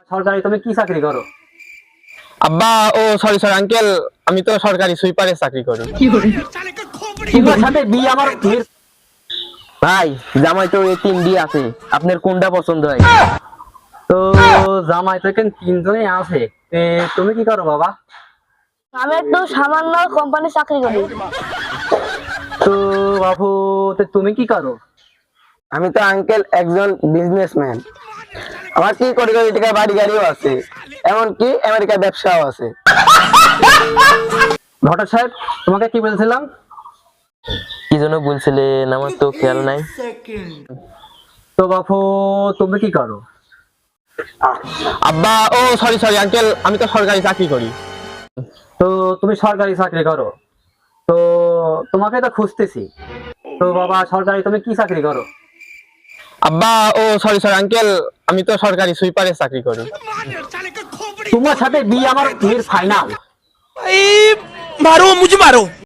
সরকারি তুমি কি চাকরি করো? আব্বা ও সরি সরি আঙ্কেল, আমি তো সরকারি সুইপারের চাকরি করি। তোমার সাথে বিয়ে আমার মেয়ের। ভাই জামাই তো এই 3 বিয়ে আছে, আপনার কোনটা পছন্দ হয়? তো জামাই তো এখানে তিনজনই আছে। তুমি কি করো বাবা? আমি একটু সামান্য কোম্পানি চাকরি করি। তো বাবু, তো তুমি কি করো? আমি তো আঙ্কেল একজন বিজনেসম্যান। আমার কি কোটি কোটি টাকা বাড়ি গাড়িও আছে, এমনকি আমেরিকার ব্যবসাও আছে। ঘটক সাহেব, তোমাকে কি বলছিলাম? কি জন্য বলছিলেন আমার তো খেয়াল নাই। তো বাবু, তুমি কি করো? আব্বা ও সরি সরি আঙ্কেল, আমি তো সরকারি চাকরি করি। তো তুমি সরকারি চাকরি করো, তো তোমাকে তো খুঁজতেছি। তো বাবা, সরকারি তুমি কি চাকরি করো? আব্বা ও সরি সরি আঙ্কেল, আমি তো সরকারি সুইপারের চাকরি করি। তোমার সাথে বিয়ে আমার মেয়ের ফাইনাল। मारो मुझे मारो।